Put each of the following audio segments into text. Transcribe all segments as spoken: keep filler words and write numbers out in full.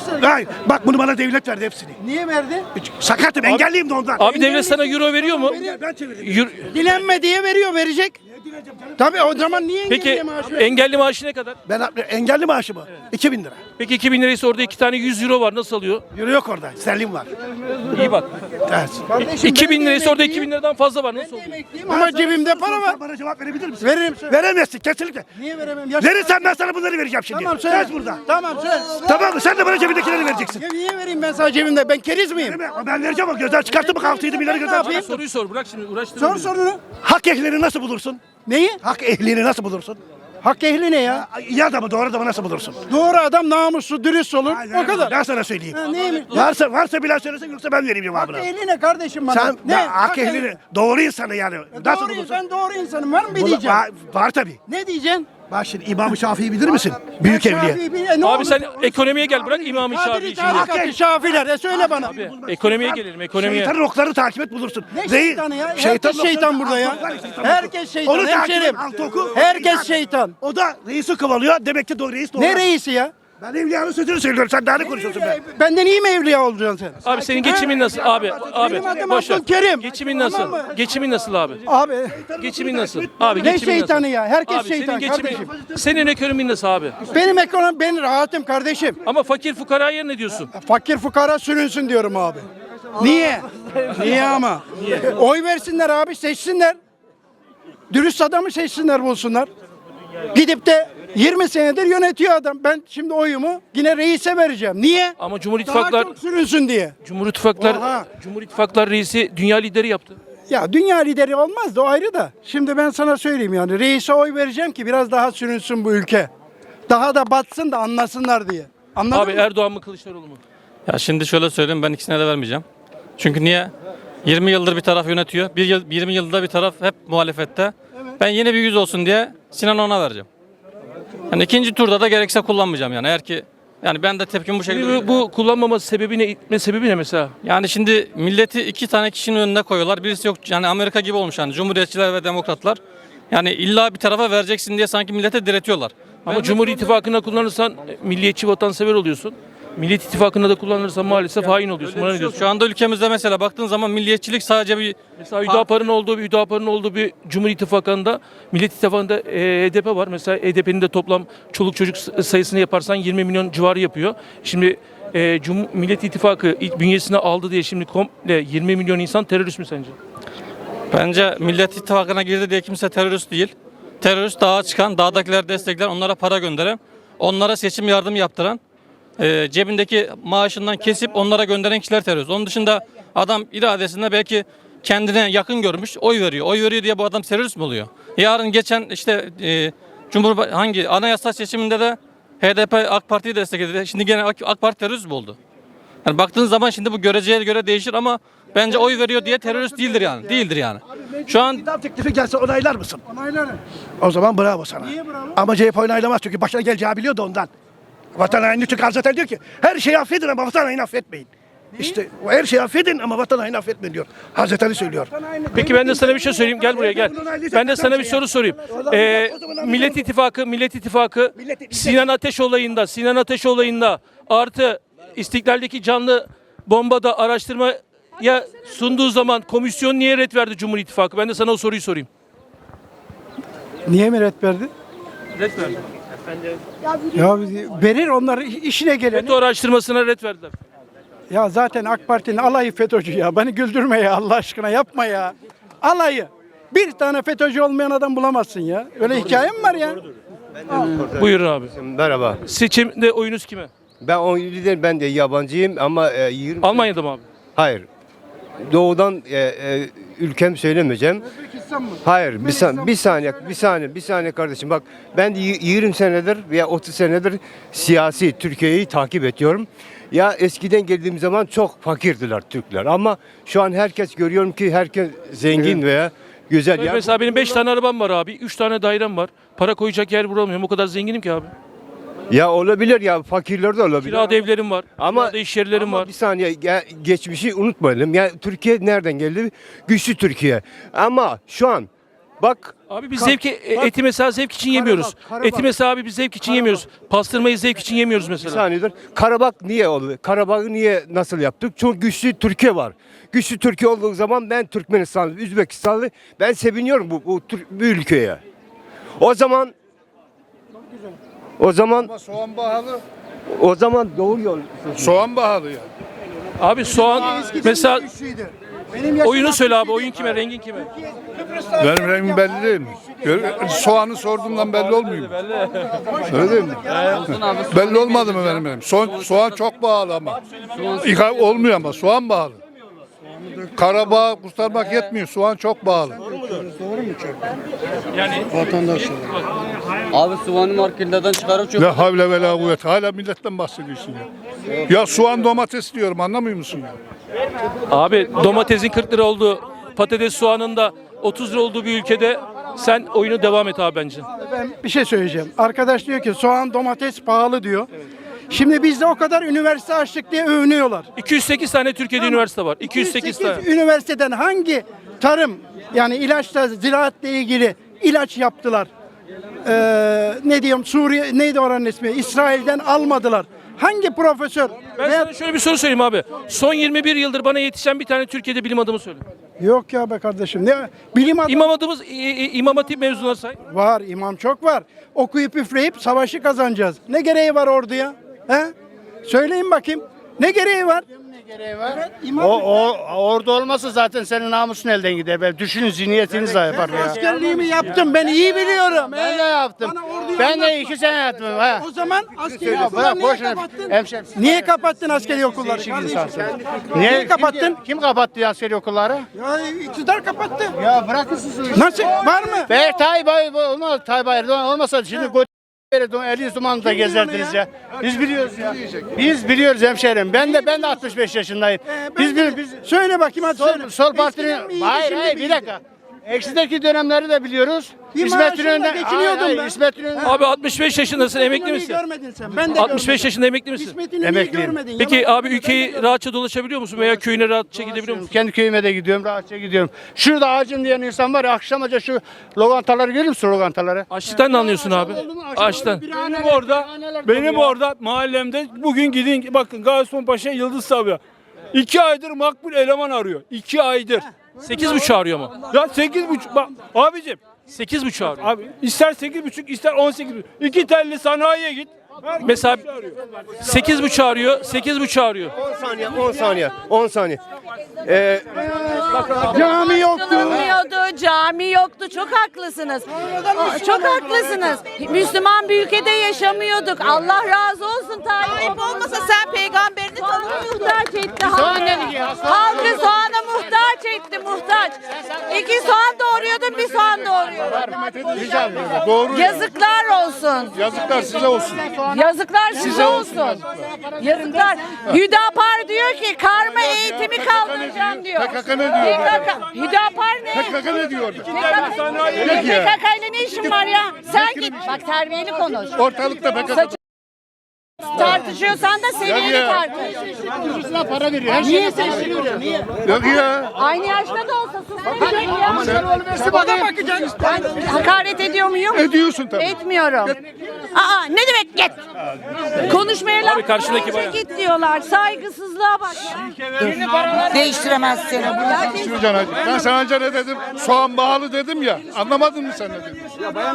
göster. Hayır, bak bunu bana devlet verdi hepsini. Niye verdi? Sakatım, engelliyim de ondan. Abi devlet sana euro veriyor mu? Ben çevirdim. Euro- Dilenme diye veriyor, verecek. Tabii o zaman niye Peki engelli maaşı veriyor? engelli maaşı ne kadar? Ben engelli maaşı mı? iki bin lira. Peki iki bin liraysa orada iki tane yüz euro var, nasıl alıyor? Euro yok orada. Sterlin var. İyi bak. Ters. Kardeşim, iki ben bin de liraysa orada emekliyim. iki bin liradan fazla var, nasıl oluyor? Emekliyim ama cebimde para var. Bana cevap verebilir misin? Veririm. Veremezsin kesinlikle. Niye veremem? Yaş- Verirsen ben sana bunları vereceğim şimdi. Tamam söyle. Söz burada. Tamam söyle. Tamam mı? Sen de bana cebindekileri vereceksin. Ya niye vereyim ben sana cebimde? Ben keriz miyim? Değil mi? Ben vereceğim o gözler çıkarttı mı altı yedi milyarı gözler yapayım? çıkarttı. Soruyu sor, bırak şimdi uğraştırma. Sor bizi. sorunu. Hak ehlini nasıl bulursun? Neyi? Hak ehlini nasıl bulursun? Hak ehli ne ya? İyi adamı doğru adamı nasıl bulursun? Doğru adam namuslu, dürüst olur. Aynen. O kadar. Ben sana söyleyeyim. Ha, neymiş? Varsa varsa bilen söylesin yoksa ben vereyim Hak cevabını. ehli ne kardeşim bana? Sen ne? ne? Hak ehlini doğru insanı yani. Nasıl Doğru bulursun? insan doğru insanım. Var mı bir Bula- diyeceğim? var, var tabii. Ne diyeceksin? Bak şimdi İmam-ı Şafii'yi bilir misin? Büyük evliya. Şafii bir- e, ne Abi olur? sen ekonomiye gel, bırak İmam-ı Şafii'yi Kadiri şimdi. tarikatı Şafiler. E söyle bana. Abi ekonomiye gelelim, ekonomiye. Şeytanın oklarını takip et bulursun. Ne Değil. şeytanı ya? Şeytanın Herkes şeytan oklarını- burada ya. Alt oklar, şeytanın Herkes okları. şeytan. Onu takip et, Hemşerim. alt oku. Herkes şeytan. O da reisi kovalıyor. Demek ki doğru reis doğru. Ne reisi ya? Ben evliyanın sözünü söylüyorum. Sen daha ne konuşuyorsun be? Benden iyi mi evliya olacaksın sen? Abi senin geçimin nasıl abi? Abi Benim adım boş ver. Abdülkerim. Geçimin Tamam nasıl? mı? Geçimin nasıl abi? Abi Geçimin nasıl? Abi ne geçimin şeytanı nasıl? ya? Herkes Abi şeytan senin geçimin, kardeşim. senin ekonomin nasıl abi? Benim ekonomi ben rahatım kardeşim. Ama fakir fukaraya ne diyorsun? Fakir fukara sürünsün diyorum abi. Niye? Niye ama? Oy versinler abi, seçsinler. Dürüst adamı seçsinler, bulsunlar. Gidip de yirmi senedir yönetiyor adam. Ben şimdi oyumu yine reise vereceğim. Niye? Ama Cumhur Daha İttifaklar çok sürünsün diye. Cumhur İttifaklar Oha. Cumhur İttifaklar reisi dünya lideri yaptı. Ya dünya lideri olmaz da o ayrı da. Şimdi ben sana söyleyeyim yani reise oy vereceğim ki biraz daha sürünsün bu ülke. Daha da batsın da anlasınlar diye. Anladın Abi mı? Erdoğan mı Kılıçdaroğlu mu? Ya şimdi şöyle söyleyeyim, ben ikisine de vermeyeceğim. Çünkü niye? yirmi yıldır bir taraf yönetiyor. Bir yıl, yirmi yılda bir taraf hep muhalefette. Ben yeni bir yüz olsun diye Sinan ona vereceğim. Yani ikinci turda da gerekse kullanmayacağım yani. Eğer ki yani ben de tepkim bu şekilde. Bu, bu kullanmaması sebebi ne? İtme sebebi ne mesela? Yani şimdi milleti iki tane kişinin önüne koyuyorlar. Birisi yok, yani Amerika gibi olmuş yani, Cumhuriyetçiler ve Demokratlar. Yani illa bir tarafa vereceksin diye sanki millete diretiyorlar. Ama Cumhur İttifakı'na kullanırsan e, milliyetçi vatansever oluyorsun. Millet İttifakı'na da kullanırsan maalesef hain oluyorsun. Bana ne diyorsun? Şu anda ülkemizde mesela baktığın zaman milliyetçilik sadece bir Mesela Hüdapar'ın olduğu bir Hüdapar'ın olduğu bir Cumhur İttifakı'nda Millet İttifakı'nda e, H D P var. Mesela H D P'nin de toplam çoluk çocuk sayısını yaparsan yirmi milyon civarı yapıyor. Şimdi e, Cum Millet İttifakı ilk bünyesine aldı diye şimdi komple yirmi milyon insan terörist mi sence? Bence Millet İttifakı'na girdi diye kimse terörist değil. Terörist dağa çıkan, dağdakiler destekler, onlara para gönderen, onlara seçim yardım yaptıran, e, cebindeki maaşından kesip onlara gönderen kişiler terörist. Onun dışında adam iradesinde belki kendine yakın görmüş, oy veriyor. Oy veriyor diye bu adam terörist mi oluyor? Yarın geçen işte e, Cumhurba hangi anayasa seçiminde de H D P AK Parti'yi destekledi. Şimdi gene AK, AK Parti terörist mi oldu? Yani baktığın zaman şimdi bu göreceye göre değişir ama bence oy veriyor diye terörist değildir yani. Değildir yani. Şu an İdam teklifi gelse onaylar mısın? Onaylarım. O zaman bravo sana. Niye bravo? Ama C H P onaylamaz çünkü başına geleceği biliyor da ondan. Vatan haini çünkü zaten diyor ki her şeyi affedin ama vatan haini affetmeyin. İşte o her şeyi affedin ama vatan haini affetmeyin diyor. Hazreti Ali söylüyor. Peki ben de sana bir şey söyleyeyim. Gel buraya gel. Ben de sana bir soru sorayım. Ee, Millet İttifakı, Millet İttifakı Sinan Ateş olayında, Sinan Ateş olayında artı İstiklal'deki canlı bombada araştırmaya sunduğu zaman komisyon niye ret verdi Cumhur İttifakı? Ben de sana o soruyu sorayım. Niye mi ret verdi? Ret verdi. Ya verir onlar işine geleni. FETÖ araştırmasına ret verdiler. Ya zaten AK Parti'nin alayı FETÖ'cü ya. Beni güldürme ya Allah aşkına, yapma ya. Alayı. Bir tane FETÖ'cü olmayan adam bulamazsın ya. Öyle hikaye mi var ya? Buyurun abi. Merhaba. Seçimde oyunuz kime? Ben on lider, ben de yabancıyım ama e, yirmi Almanya'da mı abi? Hayır. Doğudan e, e, ülkem söylemeyeceğim. Hayır, bir, san, bir saniye, bir saniye, bir saniye kardeşim. Bak ben de y- yirmi senedir veya otuz senedir siyasi Türkiye'yi takip ediyorum. Ya eskiden geldiğim zaman çok fakirdiler Türkler ama şu an herkes görüyorum ki herkes zengin veya güzel. Evet, Ya, mesela benim beş tane arabam var abi. üç tane dairem var. Para koyacak yer bulamıyorum. O kadar zenginim ki abi. ya olabilir ya, fakirler de olabilir. Kirada evlerim var. Ama Kirada iş yerlerim ama var. bir saniye, ya, geçmişi unutmayalım. Ya Türkiye nereden geldi? Güçlü Türkiye. Ama şu an Bak Abi biz Ka- zevki e, bak- eti mesela zevk için yemiyoruz. Karabağ. Eti mesela abi biz zevk için yemiyoruz. Pastırmayı zevk için yemiyoruz bir mesela. saniyedir. Karabağ niye oldu? Karabağ'ı niye nasıl yaptık? Çünkü güçlü Türkiye var. Güçlü Türkiye olduğu zaman ben Türkmenistanlı, Üzbekistanlı ben seviniyorum bu, bu, Tür- bu ülkeye. O zaman o zaman Soğan pahalı. o zaman doğru yol. Soğan pahalı ya. Abi soğan mesela Benim yaşım oyunu söyle abi. altmış Oyun kime, rengin kime? Benim rengim belli değil mi? Gör- Soğanı sorduğumdan belli olmuyor mu? Öyle değil mi? Belli olmadı mı benim benim? Soğan, soğan çok pahalı ama. İka olmuyor ama soğan pahalı. Karabağ kurtarmak yetmiyor. Soğan çok pahalı. Yani Abi soğanı marketlerden çıkarıp çok Ne havle ve la kuvvet. Hala milletten bahsediyorsun ya. Ya soğan domates diyorum anlamıyor musun ya? abi domatesin kırk lira olduğu, patates soğanın da otuz lira olduğu bir ülkede sen oyunu devam et abi bence. Ben bir şey söyleyeceğim. Arkadaş diyor ki soğan domates pahalı diyor. Şimdi bizde o kadar üniversite açtık diye övünüyorlar. iki yüz sekiz tane Türkiye'de üniversite var. iki yüz sekiz tane. Üniversiteden hangi tarım yani ilaçla ziraatla ilgili ilaç yaptılar? Ee, ne diyorum Suriye neydi oranın ismi? İsrail'den almadılar. Hangi profesör? Ben veya- sana şöyle bir soru söyleyeyim abi. Son yirmi bir yıldır bana yetişen bir tane Türkiye'de bilim adamı söyle. Yok ya be kardeşim. Ne bilim adamı İmam adımız İ- İ- İmam Hatip mezunları say. var, imam çok var. Okuyup üfleyip savaşı kazanacağız. Ne gereği var orduya? He? Söyleyin bakayım. Ne gereği var? Evet, imam O, o orada olmasa zaten senin namusun elden gider. Ben düşünün zihniyetiniz de yapar ya. askerliğimi yaptım. Ben iyi biliyorum. Ben He? de yaptım. Bana orduyu Ben de anlatma. iki sene yaptım. Ha. O zaman askeri Ya okulları bırak niye boş ver. kapattın? Hemşerim. Niye kapattın askeri okulları? Değişik kardeşim? insansın. Niye Niye kapattın? Kim, kim kapattı askeri okulları? Ya iktidar kapattı. Ya bırakın siz. Nasıl? Var mı? Be Tayyip Erdoğan olmaz. Tayyip Erdoğan olmasa şimdi go Eliyiz dumanı da gezerdiniz ya. Biz biliyoruz ya. Biz biliyoruz hemşerim. Ben de ben de altmış beş yaşındayım. Ee, Biz ben de- biz Söyle bakayım hadi söyle. sol, sol Eskiden partinin mi iyiydi, hayır şimdi hayır mi bir iyiydi? dakika. Eksideki dönemleri de biliyoruz. Bir İsmet maaşımla İnönü'nden geçiniyordum hayır, hayır, ben. İsmet İnönü Abi altmış beş yaşındasın, emekli İnönü'yü misin? görmedin sen. Ben de altmış beş görmedim. yaşında emekli misin? İsmet İnönü'yü Emekliyim. görmedin. Peki Yalan abi söyleme, ben de ülkeyi görmedim. rahatça dolaşabiliyor musun veya köyüne rahatça gidebiliyor musun? Kendi köyüme de gidiyorum, rahatça gidiyorum. Şurada acım diyen insan var ya, akşamaca şu lokantaları görür müsün lokantaları? Açlıktan ne anlıyorsun abi? Açtan. Benim orada, benim orada mahallemde bugün gidin bakın Gaziosmanpaşa Yıldız Sabri. İki aydır makbul eleman arıyor. İki aydır. Sekiz buçuk arıyor ama. Ya sekiz buçuk bak abicim. Sekiz buçuk arıyor. Abi ister sekiz buçuk ister on sekiz buçuk. İki telli sanayiye git. Herkes Mesela bir şey arıyor. sekiz buçuk arıyor, sekiz buçuk arıyor. on saniye, on saniye, on saniye. Ee, Cami yoktu. Yapılmıyordu, cami yoktu. Çok haklısınız. Aa, Çok haklısınız. Müslüman bir ülkede yaşamıyorduk. Allah razı olsun Tayyip olmasa sen peygamberini tanımıyordun. Muhtaç etti halkı. Halkı soğana muhtaç etti, muhtaç. İki soğan doğuruyordun, bir soğan doğuruyordun. Doğru. Yazıklar olsun. Yazıklar size olsun. Yazıklar size olsun. Yazıklar. Hüdapar diyor ki karma eğitimi kaldıracağım diyor. P K K ne diyor? P K K. Hüdapar ne? P K K ne diyordu? P K K ile ne işin var ya? Sen git. Bak terbiyeli konuş. Ortalıkta P K K. Saçı tartışıyorsan da seviyeli ya. tartış. Ucuzuna para veriyor. Her Niye seçiliyor? Niye? Yok ya. Aynı yaşta da olsa susmayacak ya. Bana bakacaksın. Ben hakaret ediyor muyum? Ediyorsun tabii. Etmiyorum. Aa ne demek git? Konuşmaya laf karşındaki bayan. git diyorlar. Saygısızlığa bak. Değiştiremezsin. Şuracan hacı. Ben sana önce ne dedim? Soğan pahalı dedim ya. Anlamadın mı sen ne dedim?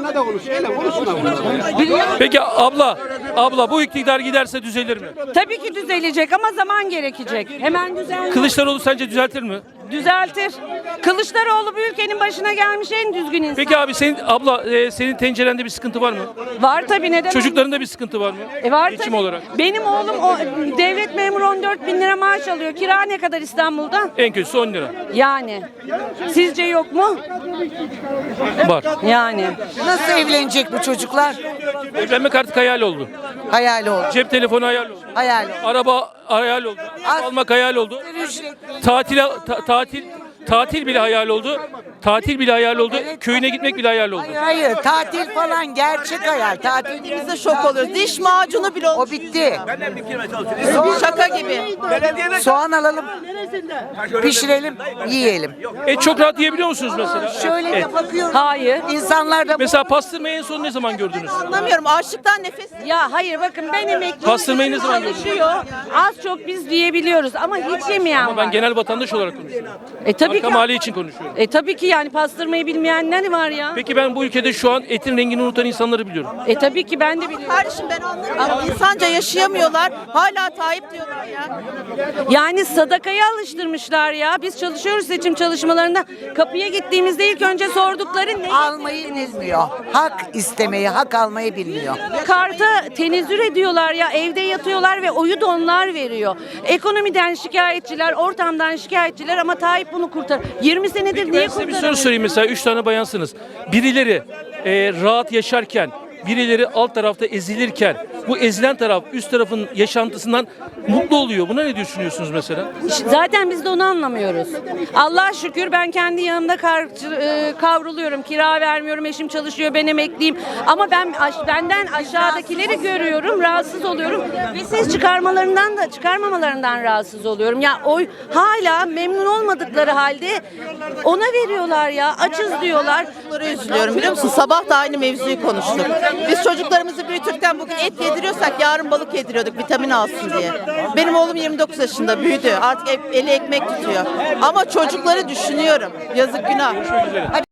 Peki abla, abla bu iktidar giderse düzelir mi? Tabii ki düzelecek ama zaman gerekecek. Hemen düzelmez. Kılıçdaroğlu sence düzeltir mi? Düzeltir. Kılıçdaroğlu bu ülkenin başına gelmiş en düzgün insan. Peki abi senin abla e, senin tencerende bir sıkıntı var mı? Var tabii neden? Çocuklarında bir sıkıntı var mı? E var Geçim tabii. olarak. Benim oğlum o, devlet memuru on dört bin lira maaş alıyor. Kira ne kadar İstanbul'da? En kötüsü on lira. Yani. Sizce yok mu? Var. Yani. Nasıl evlenecek bu çocuklar? Evlenmek artık hayal oldu. Hayal oldu. Cep telefonu hayal oldu. Hayal oldu. Araba hayal oldu. Ev almak hayal oldu. Tatil ta- tatil tatil bile hayal oldu. Tatil bile hayal oldu. Köyüne gitmek bile hayal oldu. Hayır hayır tatil falan gerçek hayal. Tatil Biz de şok oluyoruz. Diş macunu bile o bitti. şaka gibi. Soğan alalım. Pişirelim, yiyelim. Et çok rahat yiyebiliyor musunuz mesela? Şöyle Et. de bakıyorum. Hayır. İnsanlar da Mesela pastırmayı en son ne zaman gördünüz? Anlamıyorum. Açlıktan nefes. Ya hayır bakın ben emekliyim. Pastırmayı ne zaman gördünüz? Çalışıyor. Az çok biz diyebiliyoruz ama hiç yemeyen Ama ben var. genel vatandaş olarak konuşuyorum. E tabii Arka ki. mahalle için konuşuyorum. E tabii ki yani pastırmayı bilmeyenler var ya. Peki ben bu ülkede şu an etin rengini unutan insanları biliyorum. E tabii ki ben de biliyorum. Kardeşim ben anlamıyorum. Ama insanca yaşayamıyorlar. Hala Tayyip diyorlar ya. Yani sadakaya alıştırmışlar ya. Biz çalışıyoruz seçim çalışmalarında. Kapıya gittiğimizde ilk önce sordukları ne? almayı bilmiyor. Hak istemeyi, hak almayı bilmiyor. Karta tenezzül ediyorlar ya. Evde yatıyorlar ve oyu da onlar veriyor. Ekonomiden şikayetçiler, ortamdan şikayetçiler ama Tayyip bunu kurtar. yirmi senedir niye Ben size bir soru kurtaramıyor? sorayım mesela. Üç tane bayansınız. Birileri e, rahat yaşarken, birileri alt tarafta ezilirken, bu ezilen taraf üst tarafın yaşantısından mutlu oluyor. Buna ne düşünüyorsunuz mesela? Zaten biz de onu anlamıyoruz. Allah şükür ben kendi yanımda kar- e, kavruluyorum. Kira vermiyorum. Eşim çalışıyor. Ben emekliyim. Ama ben aş- benden aşağıdakileri görüyorum. Rahatsız oluyorum. Ve ses çıkarmalarından da çıkarmamalarından rahatsız oluyorum. Ya oy hala memnun olmadıkları halde ona veriyorlar ya. Açız diyorlar. Çocuklara üzülüyorum biliyor musun? Sabah da aynı mevzuyu konuştuk. Biz çocuklarımızı büyütürken bugün et yediriyorsak yarın balık yediriyorduk vitamin alsın diye. Benim oğlum yirmi dokuz yaşında büyüdü. Artık eli ekmek tutuyor. Ama çocukları düşünüyorum. Yazık günah.